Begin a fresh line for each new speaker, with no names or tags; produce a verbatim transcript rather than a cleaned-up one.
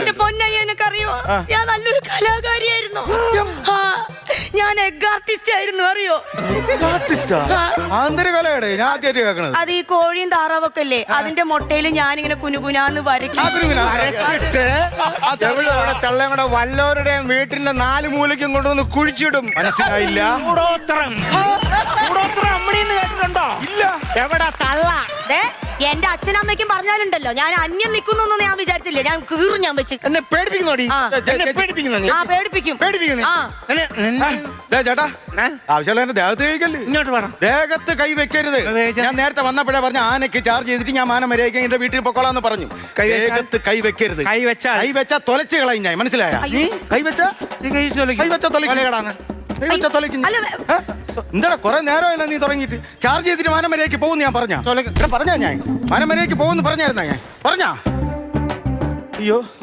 എന്റെ പൊന്നയ്യ എനിക്കറിയോ, ഞാൻ നല്ലൊരു കലാകാരിയായിരുന്നു. ആ, ഞാൻ എഗ് ആർട്ടിസ്റ്റ് ആയിരുന്നു, അറിയോ? അത് ഈ കോഴിയും താറാവൊക്കെ അല്ലേ, അതിന്റെ മുട്ടയിൽ ഞാനിങ്ങനെ കുനുകുനാന്ന് വരയ്ക്കും.
തള്ളയുടെ വല്ലവരുടെയും വീട്ടിന്റെ നാല് മൂലയ്ക്കും കൊണ്ടുവന്ന് കുഴിച്ചിടും.
മനസ്സിലായില്ല?
കേട്ടിട്ടുണ്ടോ? ഇല്ല. എവിടെ തള്ള?
എന്റെ അച്ഛനമ്മയ്ക്കും പറഞ്ഞാലുണ്ടല്ലോ, ഞാൻ അന്യം നിൽക്കുന്നു ഞാൻ വിചാരിച്ചില്ലേ, ഞാൻ കീറും ഞാൻ വെച്ച്.
എന്നെ പേടിപ്പിക്കുന്നോടി?
ആ പേടിപ്പിക്കും.
ചേട്ടാ, ആവശ്യമുള്ള ദേഹത്ത് കഴിക്കല്ലേ.
ഇങ്ങോട്ട് വേണം.
ദേഹത്ത് കൈ വെക്കരുത്. ഞാൻ നേരത്തെ വന്നപ്പോഴേ പറഞ്ഞ ആനയ്ക്ക് ചാർജ് ചെയ്തിട്ട് ഞാൻ മാനം വരെയൊക്കെ എന്റെ വീട്ടിൽ പൊക്കോളാന്ന് പറഞ്ഞു. ദേഹത്ത് കൈ വെക്കരുത്.
കൈ വെച്ചാ
കൈ വെച്ചാ തൊലച്ച് കളയും ഞാൻ. മനസ്സിലായ? കൈ വെച്ചാ കൈ വെച്ചാ തൊലക്കിടാന്ന്. എന്താ കൊറേ നേരമല്ല നീ തുടങ്ങിയിട്ട്? ചാർജ് ചെയ്തിട്ട് മാനമരയ്ക്ക് പോകുന്നു ഞാൻ പറഞ്ഞ പറഞ്ഞാ ഞാൻ മാനമരയ്ക്ക് പോകുന്നു പറഞ്ഞായിരുന്നാ ഞാൻ പറഞ്ഞാ? അയ്യോ